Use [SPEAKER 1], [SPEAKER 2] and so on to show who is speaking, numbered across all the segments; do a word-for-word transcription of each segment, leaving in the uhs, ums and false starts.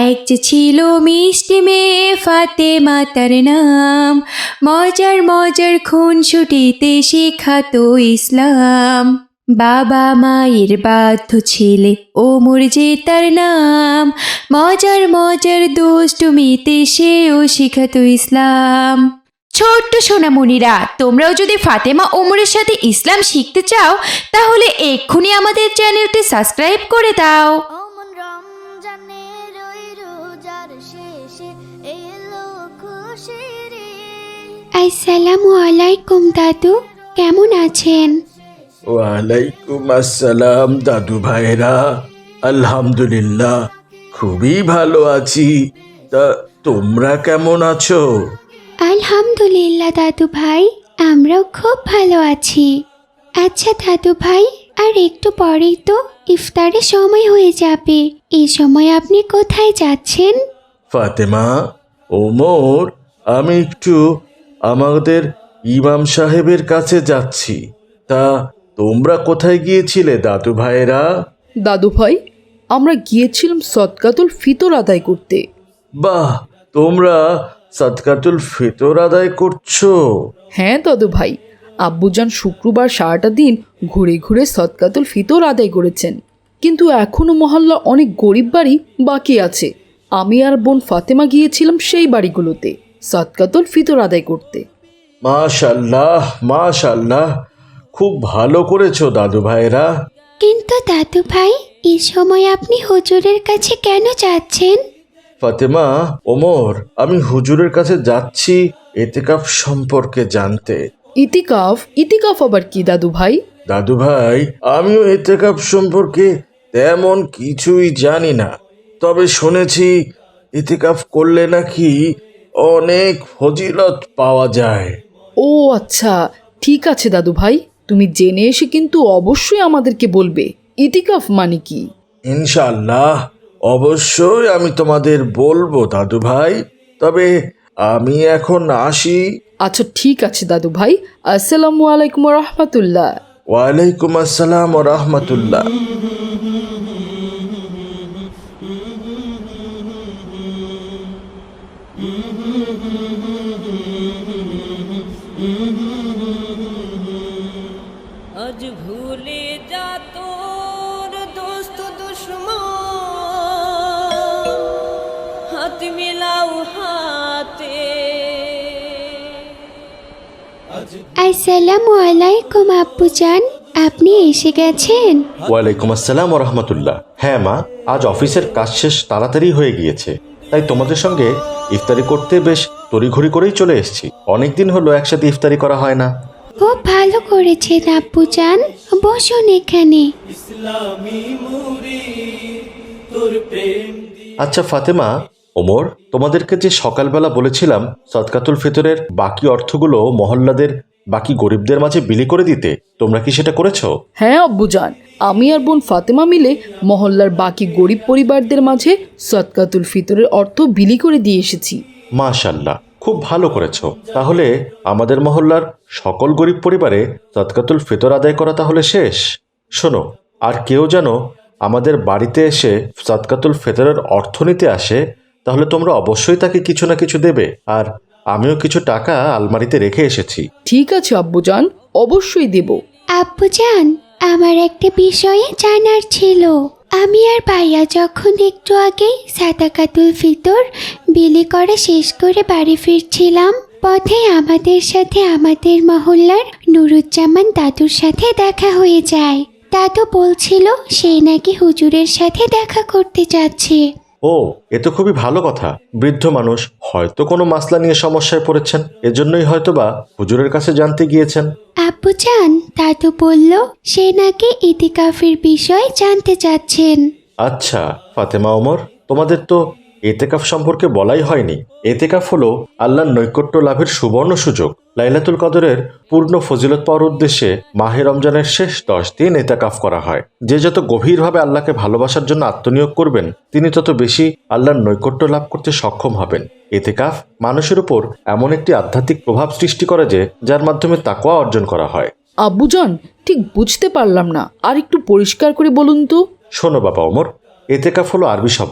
[SPEAKER 1] এক যে ছিল মিষ্টি মেয়ে ফাতেমা তার নাম, মজার মজার খুনসুটিতে শেখাতো ইসলাম। বাবা মায়ের বাধ্য ছেলে ওমর যে তার নাম, মজার মজার দুষ্টুমিতে সেও শিখাতো ইসলাম। ছোট্ট সোনামণিরা, তোমরাও যদি ফাতেমা ওমরের সাথে ইসলাম শিখতে চাও তাহলে এক্ষুনি আমাদের চ্যানেলটি সাবস্ক্রাইব করে দাও।
[SPEAKER 2] অমন রমজানের ওই রোজার শেষে এলো খুশির ঈদ।
[SPEAKER 1] আসসালামু আলাইকুম দাদু, কেমন আছেন?
[SPEAKER 3] ওয়ালাইকুম আসসালাম দাদু ভাইরা, আলহামদুলিল্লাহ খুবই ভালো আছি। তা তোমরা কেমন আছো?
[SPEAKER 1] আলহামদুলিল্লাহ দাদু ভাই, আমরাও খুব ভালো আছি। আচ্ছা দাদু ভাই, আর একটু পরেই তো ইফতারের সময় হয়ে যাবে, এই সময় আপনি কোথায় যাচ্ছেন?
[SPEAKER 3] ফাতেমা, ওমর, আমি একটু আমাদের ইমাম সাহেবের কাছে যাচ্ছি। তা তোমরা কোথায় গিয়েছিলে দাদু ভাইরা?
[SPEAKER 4] দাদু ভাই, আমরা গিয়েছিলাম সদকাতুল ফিতর আদায় করতে।
[SPEAKER 3] বাহ, তোমরা সাদকাতুল ফিতর আদায় করছো?
[SPEAKER 4] হ্যাঁ দাদু ভাই, আব্বুজান শুক্রবার সারাটা দিন ঘুরে ঘুরে সদকাতুল ফিতর আদায় করেছেন, কিন্তু এখনও মহল্লা অনেক গরিব বাড়ি বাকি আছে। আমি আর বোন ফাতেমা গিয়েছিলাম সেই বাড়িগুলোতে সদকাতুল ফিতর আদায় করতে।
[SPEAKER 3] মাশাল্লাহ মাশাল্লাহ, খুব ভালো করেছো দাদু ভাইরা।
[SPEAKER 1] কিন্তু দাদু ভাই, এই সময় আপনি হুজুরের কাছে কেন যাচ্ছেন?
[SPEAKER 3] ফাতেমা, ওমর, আমি হুজুরের কাছে যাচ্ছি এতেকাফ সম্পর্কে জানতে।
[SPEAKER 4] ইতিকাফ? ইতিকাফ আবার কি দাদু ভাই?
[SPEAKER 3] দাদু ভাই, আমিও এতেকাফ সম্পর্কে তেমন কিছুই জানি না, তবে শুনেছি এতেকাফ করলে নাকি অনেক ফজিলত পাওয়া যায়।
[SPEAKER 4] ও আচ্ছা, ঠিক আছে দাদু ভাই, তুমি জেনে এসে কিন্তু অবশ্যই আমাদেরকে বলবে ইতিকাফ মানে কি।
[SPEAKER 3] ইনশাআল্লাহ অবশ্যই আমি তোমাদের বলবো দাদু ভাই, তবে আমি এখন আসি।
[SPEAKER 4] আচ্ছা ঠিক আছে দাদু ভাই, আসসালামু আলাইকুম রহমতুল্লাহ।
[SPEAKER 3] ওয়ালাইকুম আসসালাম ওয়া রাহমাতুল্লাহ।
[SPEAKER 5] আজ ভুলে যা তোর দোস্ত দুশ্মন, হাত মিলাও হাতে।
[SPEAKER 1] আসসালামু আলাইকুম আব্বুজান, আপনি এসে গেছেন?
[SPEAKER 6] ওয়ালাইকুম আসসালাম ওয়া রাহমাতুল্লাহ। হ্যাঁ মা, আজ অফিসের কাজ শেষ তাড়াতাড়ি হয়ে গিয়েছে, তাই তোমাদের সঙ্গে ইফতারি করতে বেশ তড়িঘড়ি করেই চলে এসেছি। অনেকদিন হলো একসাথে ইফতারি করা হয় না।
[SPEAKER 1] খুব ভালো করেছেন আব্বুজান, বসুন এখানে।
[SPEAKER 6] আচ্ছা ফাতেমা, ওমর, তোমাদেরকে যে সকালবেলা বলেছিলাম সদকাতুল ফিতরের বাকি অর্থগুলো মহল্লাদের বাকি গরিবদের মাঝে বিলি করে দিতে, তোমরা কি সেটা করেছো?
[SPEAKER 4] হ্যাঁ আব্বুজান, আমি আর বোন ফাতেমা মিলে মহল্লার বাকি গরিব পরিবারদের মাঝে সদকাতুল ফিতরের অর্থ বিলি করে দিয়ে এসেছি।
[SPEAKER 6] মাশাল্লাহ, খুব ভালো করেছো। তাহলে আমাদের মহল্লার সকল গরিব পরিবারে সদকাতুল ফিতর আদায় করা তাহলে শেষ। শোনো, আর কেউ যেন আমাদের বাড়িতে এসে সদকাতুল ফিতরের অর্থ নিতে আসে, তাহলে তোমরা অবশ্যই তাকে কিছু না কিছু দেবে। আর আমিও কিছু টাকা আলমারিতে রেখে এসেছি।
[SPEAKER 4] ঠিক আছে আব্বুজান, অবশ্যই দেব।
[SPEAKER 1] আব্বুজান, আমার একটা বিষয়ে জানার ছিল। আমি আর ভাইয়া যখন একটু আগেই সাদাকাতুল ফিতর বিলি করা শেষ করে বাড়ি ফিরছিলাম, পথে আমাদের সাথে আমাদের মহল্লার নুরুজ্জামান দাদুর সাথে দেখা হয়ে যায়। দাদু বলছিল সে নাকি হুজুরের সাথে দেখা করতে যাচ্ছে।
[SPEAKER 6] ও, এ তো খুবই ভালো কথা। বৃদ্ধ মানুষ হয়তো কোনো মাসলা নিয়ে সমস্যায় পড়েছেন, এজন্যই হয়তোবা হুজুরের কাছে জানতে গিয়েছেন।
[SPEAKER 1] আব্বুজান, দাদু বলল সে নাকি ইতিকাফের বিষয়ে জানতে চাচ্ছেন।
[SPEAKER 6] আচ্ছা ফাতেমা, ওমর, তোমাদের তো এতেকাফ সম্পর্কে বলাই হয়নি। এতেকাফ হলো আল্লাহর নৈকট্য লাভের সুবর্ণ সুযোগ। লাইলাতুল কদরের পূর্ণ ফজিলত পাওয়ার উদ্দেশ্যে মাহে রমজানের শেষ দশ দিন এতেকাফ করা হয়। যে যত গভীরভাবে আল্লাহকে ভালোবাসার জন্য আত্মনিয়োগ করবেন, তিনি তত বেশি আল্লাহর নৈকট্য লাভ করতে সক্ষম হবেন। এতেকাফ মানুষের উপর এমন একটি আধ্যাত্মিক প্রভাব সৃষ্টি করে যে যার মাধ্যমে তাকওয়া অর্জন করা হয়।
[SPEAKER 4] আব্বুজান, ঠিক বুঝতে পারলাম না, আর একটু পরিষ্কার করে বলুন তো।
[SPEAKER 6] শোনো বাবা ওমর, এতেকাফ হলো আরবি শব্দ,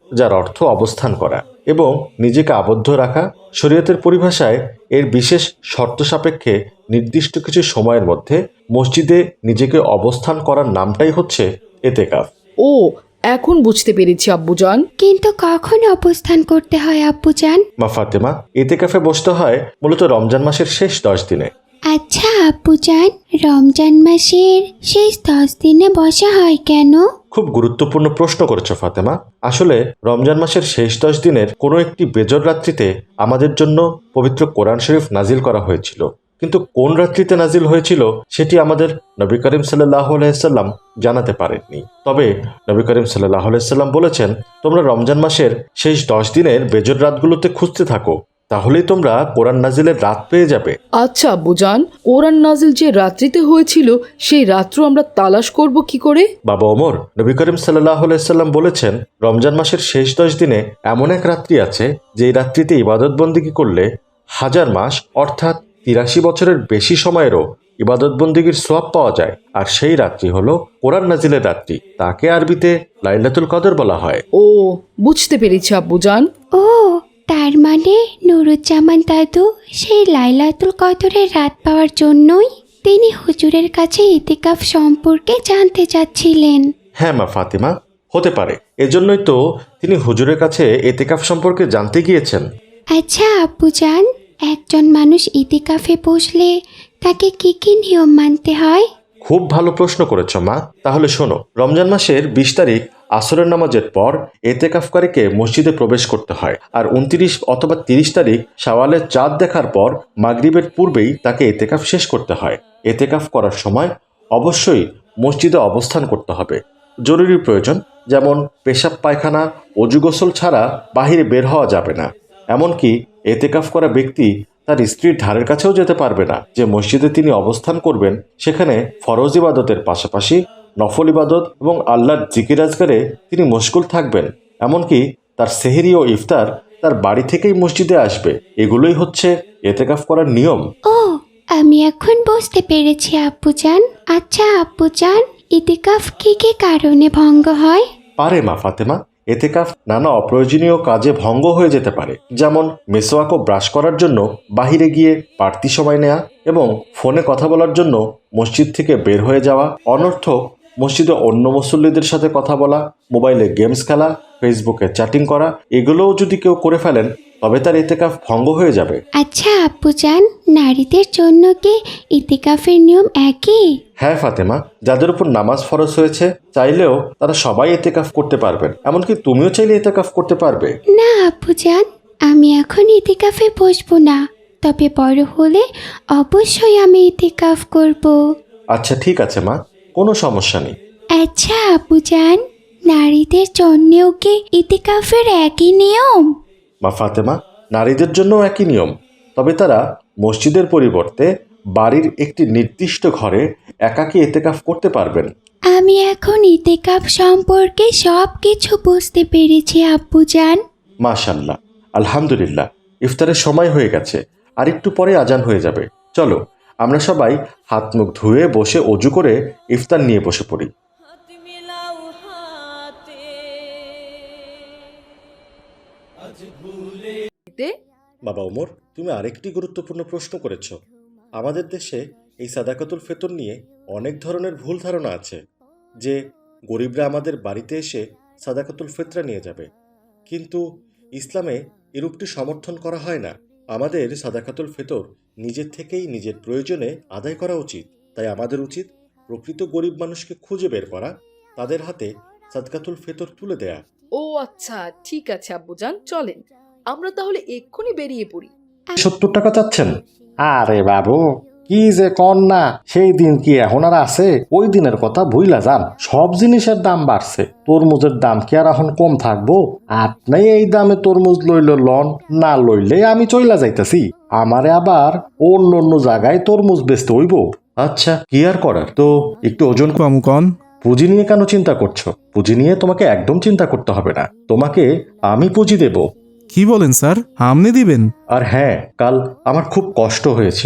[SPEAKER 6] যার অর্থ অবস্থান করা এবং নিজেকে আবদ্ধ রাখা। শরীয়তের পরিভাষায় এর বিশেষ শর্ত সাপেক্ষে নির্দিষ্ট কিছু সময়ের মধ্যে মসজিদে নিজেকে অবস্থান করার নামটাই হচ্ছে এতেকাফ।
[SPEAKER 4] ও, এখন বুঝতে পেরেছি আব্বুজান।
[SPEAKER 1] কিন্তু কখন অবস্থান করতে হয় আব্বুজান?
[SPEAKER 6] মা ফাতেমা, এতেকাফে বসতে হয় মূলত রমজান মাসের শেষ দশ দিনে।
[SPEAKER 1] আচ্ছা আব্বুজান, রমজান মাসের শেষ দশ দিনে বসা হয় কেন?
[SPEAKER 6] খুব গুরুত্বপূর্ণ প্রশ্ন করেছো ফাতেমা। আসলে রমজান মাসের শেষ দশ দিনের কোনো একটি বেজর রাত্রিতে আমাদের জন্য পবিত্র কোরআন শরীফ নাজিল করা হয়েছিল, কিন্তু কোন রাত্রিতে নাজিল হয়েছিল সেটি আমাদের নবী করিম সাল্লাহ আলাইসাল্লাম জানাতে পারেননি। তবে নবী করিম সাল্লাহ আলাইসাল্লাম বলেছেন, তোমরা রমজান মাসের শেষ দশ দিনের বেজর রাতগুলোতে খুঁজতে থাকো, তাহলেই তোমরা কোরআন নাজিলের রাত পেয়ে যাবে।
[SPEAKER 4] আচ্ছা আব্বুজান, কোরআন নাজিল যে রাত্রিতে হয়েছিল সেই রাত্র আমরা তালাশ করব কি করে?
[SPEAKER 6] বাবা ওমর, নবী করিম সাল্লাহ আলাইসাল্লাম বলেছেন, রমজান মাসের শেষ দশ দিনে এমন এক রাত্রি আছে যেই রাত্রিতে ইবাদত বন্দিগি করলে হাজার মাস অর্থাৎ তিরাশি বছরের বেশি সময়েরও ইবাদত বন্দিগির সোয়াব পাওয়া যায়। আর সেই রাত্রি হলো কোরআন নাজিলের রাত্রি, তাকে আরবিতে লাইলাতুল কদর বলা হয়।
[SPEAKER 4] ও, বুঝতে পেরেছি আব্বুজান।
[SPEAKER 1] ও, তার মানে নুরুজ্জামান দাদু সেই লাইলাতুল কদরের রাত পাওয়ার জন্যই তিনি হুজুরের কাছে ইতিকাফ সম্পর্কে জানতে চাচ্ছিলেন।
[SPEAKER 6] হ্যাঁ মা ফাতিমা, হতে পারে এজন্যই তো তিনি হুজুরের কাছে এতেকাফ সম্পর্কে জানতে গিয়েছেন।
[SPEAKER 1] আচ্ছা আব্বুজান, একজন মানুষ ইতিকাফে বসলে তাকে কি কি নিয়ম মানতে হয়?
[SPEAKER 6] খুব ভালো প্রশ্ন করেছ মা। তাহলে শোনো, রমজান মাসের বিশ তারিখ আসরের নামাজের পর এতেকাফকারীকে মসজিদে প্রবেশ করতে হয়, আর উনত্রিশ অথবা তিরিশ তারিখ শাওয়ালের চাঁদ দেখার পর মাগরিবের পূর্বেই তাকে এতেকাফ শেষ করতে হয়। এতেকাফ করার সময় অবশ্যই মসজিদে অবস্থান করতে হবে। জরুরি প্রয়োজন যেমন পেশাব পায়খানা, অজু গোসল ছাড়া বাহিরে বের হওয়া যাবে না। এমনকি এতেকাফ করা ব্যক্তি তার স্ত্রীর ধারের কাছেও যেতে পারবে না। যে মসজিদে তিনি অবস্থান করবেন সেখানে ফরজ ইবাদতের পাশাপাশি নফল ইবাদত এবং আল্লাহর জিকির আজগারে তিনি মশগুল থাকবেন। এমনকি তার সেহরি ও ইফতার তার বাড়ি থেকেই মসজিদে আসবে। এগুলোই হচ্ছে এতেকাফ করার নিয়ম।
[SPEAKER 1] ও, আমি এখন বুঝতে পেরেছি আব্বুজান। আচ্ছা আব্বুজান, ইতিকাফ কি কি কারণে ভঙ্গ হয়?
[SPEAKER 6] পারে মা ফাতেমা, এতেকাফ নানা অপ্রয়োজনীয় কাজে ভঙ্গ হয়ে যেতে পারে, যেমন মেসোয়াক ও ব্রাশ করার জন্য বাহিরে গিয়ে বাড়তি সময় নেওয়া এবং ফোনে কথা বলার জন্য মসজিদ থেকে বের হয়ে যাওয়া, অনর্থক মসজিদে অন্য মুসল্লিদের সাথে কথা বলা, মোবাইলে গেমস খেলা, ফেসবুকে চ্যাটিং করা, এগুলোও যদি কেউ করে ফেলেন তবে তার এতেকাফ ভঙ্গ হয়ে যাবে।
[SPEAKER 1] আচ্ছা আব্বুজান, নারীদের জন্য কি ইতিকাফের নিয়ম একই?
[SPEAKER 6] হ্যাঁ ফাতেমা, যাদের উপর নামাজ ফরজ হয়েছে চাইলেও তারা সবাই এতেকাফ করতে পারবেন। এমনকি তুমিও চাইলে এতেকাফ করতে পারবে।
[SPEAKER 1] না আব্বুজান, আমি এখন ইতিকাফে বসবো না, তবে বড় হলে অবশ্যই আমি ইতিকাফ করব।
[SPEAKER 6] আচ্ছা ঠিক আছে মা, কোনো সমস্যা নেই।
[SPEAKER 1] আচ্ছা আব্বুজান, নারীদের জন্যও কি ইতিকাফের একই নিয়ম?
[SPEAKER 6] মা ফাতেমা, নারীদের জন্য একই নিয়ম, তবে তারা মসজিদের পরিবর্তে বাড়ির একটি নির্দিষ্ট ঘরে একাকী এতেকাফ করতে পারবেন।
[SPEAKER 1] আমি এখন ইতিকাফ সম্পর্কে সব কিছু বুঝতে পেরেছি আব্বুজান।
[SPEAKER 6] মাশাআল্লাহ, আলহামদুলিল্লাহ। ইফতারের সময় হয়ে গেছে, আর একটু পরে আজান হয়ে যাবে। চলো আমরা সবাই হাত মুখ ধুয়ে বসে অজু করে ইফতার নিয়ে বসে পড়ি।
[SPEAKER 5] হাত মিলাও হাতে
[SPEAKER 6] বাবা ওমর, তুমি আরেকটি গুরুত্বপূর্ণ প্রশ্ন করেছ। আমাদের দেশে এই সাদাকাতুল ফিতর নিয়ে অনেক ধরনের ভুল ধারণা আছে যে গরিবরা আমাদের বাড়িতে এসে সাদাকাতুল ফিতরা নিয়ে যাবে, কিন্তু ইসলামে এরূপটি সমর্থন করা হয় না। আমাদের সাদাকাতুল ফিতর নিজের থেকেই নিজের প্রয়োজনে আদায় করা উচিত। তাই আমাদের উচিত প্রকৃত গরিব মানুষকে খুঁজে বের করা, তাদের হাতে সাদকাতুল ফিতর তুলে দেয়া।
[SPEAKER 4] ও আচ্ছা, ঠিক আছে আব্বুজান, চলেন আমরা তাহলে এক্ষুনি বেরিয়ে পড়ি।
[SPEAKER 7] সত্তর টাকা চাচ্ছেন? আরে বাবু, কি যে কন না, সেই দিন কি এখন আর আছে? ওই দিনের কথা ভুইলা যান, সব জিনিসের দাম বাড়ছে। তরমুজের দাম কি আর এখন কম থাকবো? আপনি এই দামে তরমুজ লইল লন, না লইলে আমি চইলা যাইতাছি। আমারে আবার অন্য অন্য জায়গায় তরমুজ বেচতে হইব।
[SPEAKER 6] আচ্ছা, কি আর করার, তো একটু ওজন
[SPEAKER 8] কম কন।
[SPEAKER 6] পুঁজি নিয়ে কেন চিন্তা করছো? পুঁজি নিয়ে তোমাকে একদম চিন্তা করতে হবে না, তোমাকে আমি পুঁজি দেব।
[SPEAKER 8] কি বলেন স্যার, আপনি দিবেন?
[SPEAKER 6] আর হ্যাঁ, কাল আমার খুব কষ্ট হয়েছিল।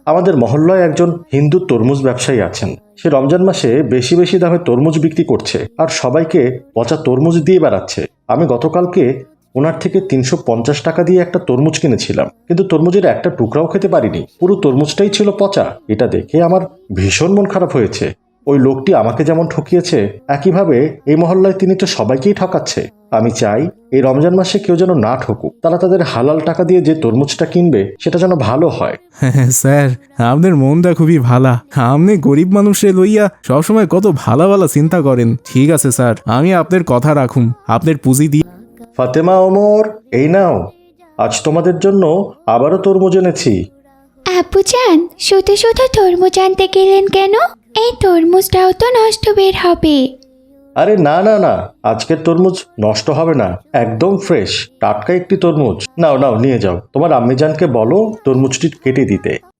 [SPEAKER 7] আমাদের মহল্লায় একজন হিন্দু তরমুজ ব্যবসায়ী আছেন। সে রমজান মাসে বেশি বেশি দামে তরমুজ বিক্রি করছে আর সবাইকে পচা তরমুজ দিয়ে বেড়াচ্ছে। আমি গতকালকে ওনার থেকে তিনশো পঞ্চাশ টাকা দিয়ে একটা তরমুজ কিনেছিলাম, কিন্তু তরমুজের একটা টুকরাও খেতে পারিনি, পুরো তরমুজটাই ছিল পচা। এটা দেখে আমার ভীষণ মন খারাপ হয়েছে। ওই লোকটি আমাকে যেমন ঠকিয়েছে, একইভাবে এই মহল্লায় তিনি তো সবাইকেই ঠকাচ্ছে। আমি চাই এই রমজান মাসে কেউ যেন না ঠকুক, তারা তাদের হালাল টাকা দিয়ে যে তরমুজটা কিনবে সেটা যেন ভালো হয়।
[SPEAKER 8] হ্যাঁ স্যার, আপনার মনটা খুবই ভালা। আপনি গরিব মানুষে লইয়া সবসময় কত ভালো ভালো চিন্তা করেন। ঠিক আছে স্যার, আমি আপনার কথা রাখুম, আপনার পুঁজি দিয়ে।
[SPEAKER 7] ফাতেমা, ওমর, এই নাও, আজ তোমাদের জন্য আবারও তরমুজ এনেছি।
[SPEAKER 1] আব্বুজান, শুধু শুধু তরমুজ আনতে গেলেন কেন? এই তরমুজটাও তো নষ্ট বের হবে।
[SPEAKER 7] আরে না না না, আজকের তরমুজ নষ্ট হবে না, একদম ফ্রেশ টাটকা একটি তরমুজ। নাও নাও, নিয়ে যাও, তোমার আম্মিজানকে বলো তরমুজটি কেটে দিতে।